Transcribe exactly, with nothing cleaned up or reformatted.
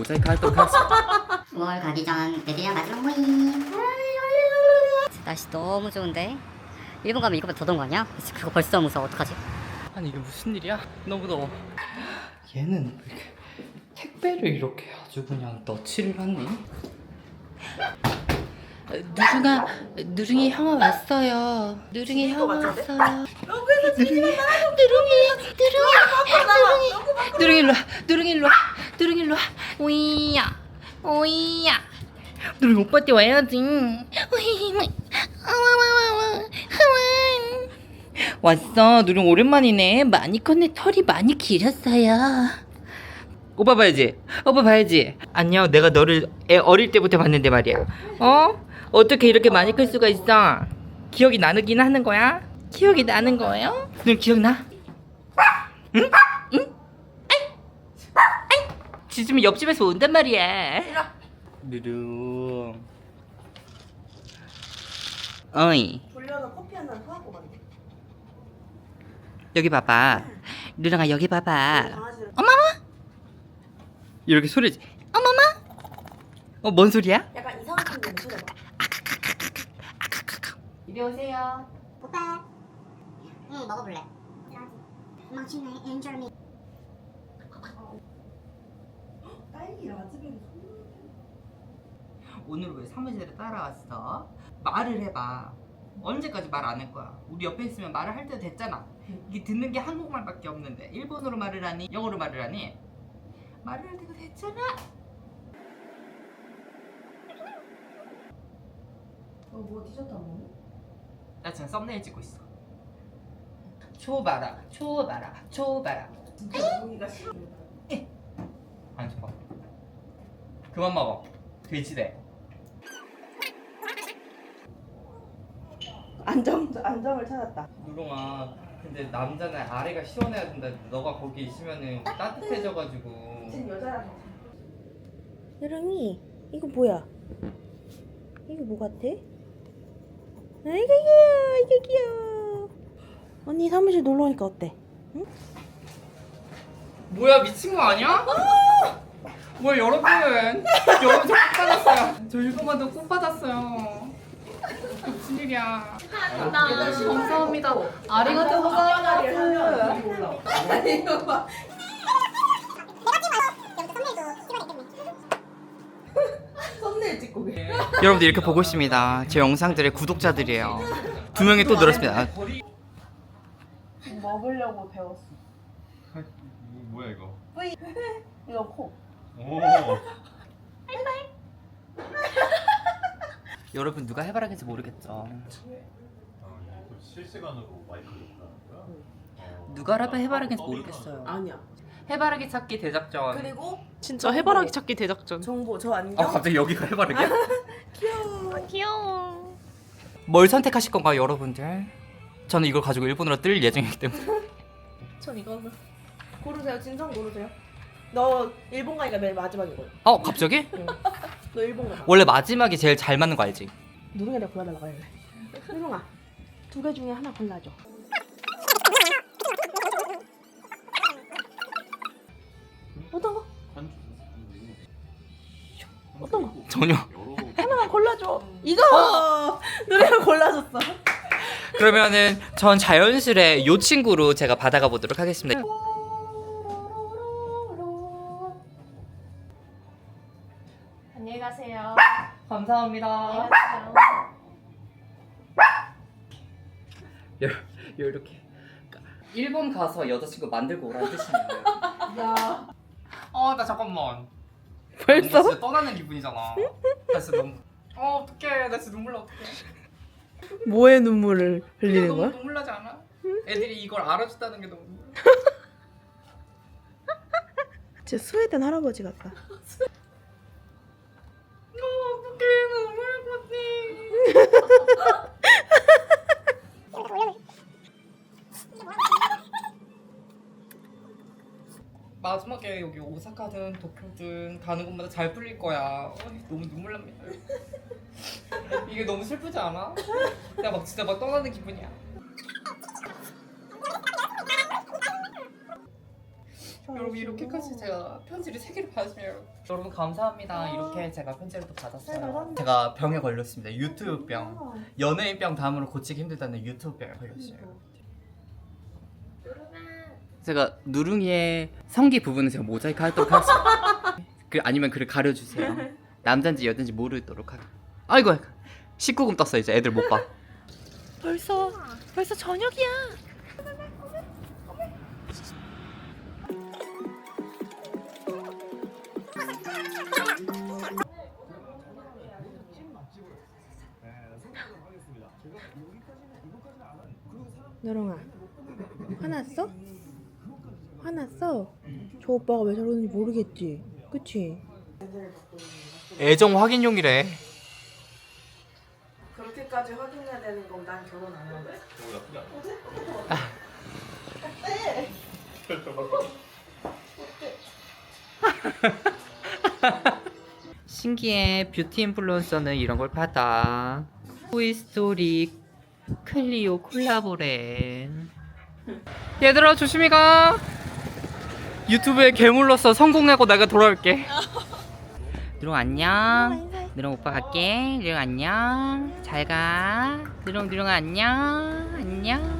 모자이크 하도록 하겠습니다. 월 가기 전 애들이랑 마지막 모임. 날씨 너무 좋은데 일본 가면 이거보다 더 더운 거 아니야? 그거 벌써 무서워. 어떡하지? 아니 이게 무슨 일이야? 너무 더워. 얘는 왜 이렇게 택배를 이렇게 아주 그냥 너치를 하니? 누룽아, 누룽이 형아 왔어요. 누룽이 형아 왔어요. 누룽이, 누룽이, 누룽이, 누룽이, 누룽이 일로 와, 누룽이 일로 와, 누룽이 일로 와. 오이야, 오이야. 누룽이 오빠한테 와야지. 오이, 왔어. 누룽 오랜만이네. 많이 컸네. 털이 많이 길었어요. 오빠 봐야지. 오빠 봐야지. 안녕. 내가 너를 애 어릴 때부터 봤는데 말이야. 어? 어떻게 이렇게 많이 클 수가 있어? 기억이 나긴 하는 거야? 기억이 나는 거예요? 누룽 기억나? 응? 응? 아이! 아이! 지금 옆집에서 온단 말이야. 누룽. 어이. 돌려서 커피 한 잔 사갖고 가네. 여기 봐봐. 누룽아 여기 봐봐. 강아지를 어머머. 이렇게 소리지. 어머머. 어, 뭔 소리야? 약간 이상한 냄새 나. 이리 오세요. 오빠. 응, 먹어볼래. 맛있네. 엔젤미. 딸기 라즈베리. 오늘 왜 사무실에 따라왔어? 말을 해봐. 언제까지 말 안 할 거야? 우리 옆에 있으면 말을 할 때 됐잖아. 이게 듣는 게 한국말밖에 없는데 일본어로 말을 하니? 영어로 말을 하니? 말을 할 때가 됐잖아. 어, 뭐 디저트 안 먹니? 나 지금 썸네일 찍고 있어. 초 봐라, 초 봐라, 초 봐라. 진짜 여기가 싫어. 안 줘. 그만 먹어. 돼지래. 안정 안정을 찾았다. 누룽아, 근데 남자는 아래가 시원해야 된다. 너가 거기 있으면은 따뜻해져가지고. 지금 여자랑. 누룽이 이거 뭐야? 이거 뭐 같아? 아이고 귀여워 아이고 귀여워. 언니 사무실 놀러 오니까 어때? 응? 뭐야, 미친 거 아니야? 뭐야, 여러분. 여러분 저꽃 받았어요. 저 일본만도 꽃 받았어요. 무슨 일이야? 감사합니다. 아리가또 아빠다리를 고자이마스. 하면 몰라. 아니 이거 봐. 썸네일 찍고 그래. 여러분들 이렇게 보고 있습니다. 제 영상들의 구독자들이에요. 두 명이 또 늘었습니다. 먹으려고 배웠어. 뭐야 이거? 이거 코. 오. 여러분 누가 해바라기인지 모르겠죠. 아, 이거 실시간으로 마이크를 하는 거야? 어. 누가 라면 해바라기인지 모르겠어요. 아니야. 해바라기 찾기 대작전. 그리고 진짜 해바라기 찾기 대작전. 정보 저 안경. 아 갑자기 여기가 해바라기야? 귀여워. 귀여워. 뭘 선택하실 건가요, 여러분들? 저는 이걸 가지고 일본으로 뜰 예정이기 때문에. 전 이거 고르세요. 진성 고르세요. 너 일본 가니까 맨 마지막이거든. 어, 갑자기? 너 일본 가. 원래 마지막이 제일 잘 맞는 거 알지? 누룽이 내가 골라달라고 할래. 누룽아, 두 개 중에 하나 골라줘. 어떤 거? 어떤 거? 전혀. 하나만 골라줘. 이거! 누룽이가 골라줬어. 그러면은 전 자연스레 요 친구로 제가 받아가 보도록 하겠습니다. 안녕히 가세요. 감사합니다. 안녕히 이렇게 일본 가서 여자친구 만들고 오라는 뜻이네요. 야. 아, 나 잠깐만. 벌써? 나 진짜 떠나는 기분이잖아. 나 진짜 너무. 어, 어떡해. 나 진짜 눈물 나. 어떡해. 뭐에 눈물을 흘리는 너무 거야? 눈물 나지 않아? 애들이 이걸 알아줬다는 게 너무. 진짜 스웨덴 할아버지 같다. 어, 어떡해. 눈물 났니. 마지막에 여기 오사카든 도쿄든 가는 곳마다 잘 풀릴 거야. 어이, 너무 눈물 납니다. 이게 너무 슬프지 않아? 나 막 진짜 막 떠나는 기분이야. 여러분 이렇게까지 제가 편지를 세 개를 받았으면 여러분 감사합니다. 이렇게 제가 편지를 또 받았어요. 제가 병에 걸렸습니다. 유튜브 병. 연예인 병 다음으로 고치기 힘들다는 유튜브 병에 걸렸어요. 제가 누룽이의 성기 부분은 제가 모자이크 하도록 하겠습니다. 그 아니면 그를 가려주세요. 남잔지 여잔지 모르도록 하게. 아이고 십구 금 떴어. 이제 애들 못 봐. 벌써 벌써 저녁이야. 너롱아 화났어? 화났어? 저 오빠가 왜 저러는지 모르겠지? 그치? 애정 확인용이래. 그렇게까지 확인해야 되는 건 난 결혼 안 하는데. 신기해. 뷰티 인플루언서는 이런 걸 받아. 토이스토리 클리오 콜라보랜. 얘들아 조심히 가. 유튜브에 괴물로서 성공하고 내가 돌아올게. 누룽 안녕. 누룽 오빠 갈게. 누룽 안녕. 잘 가. 누룽 누룽 안녕. 안녕.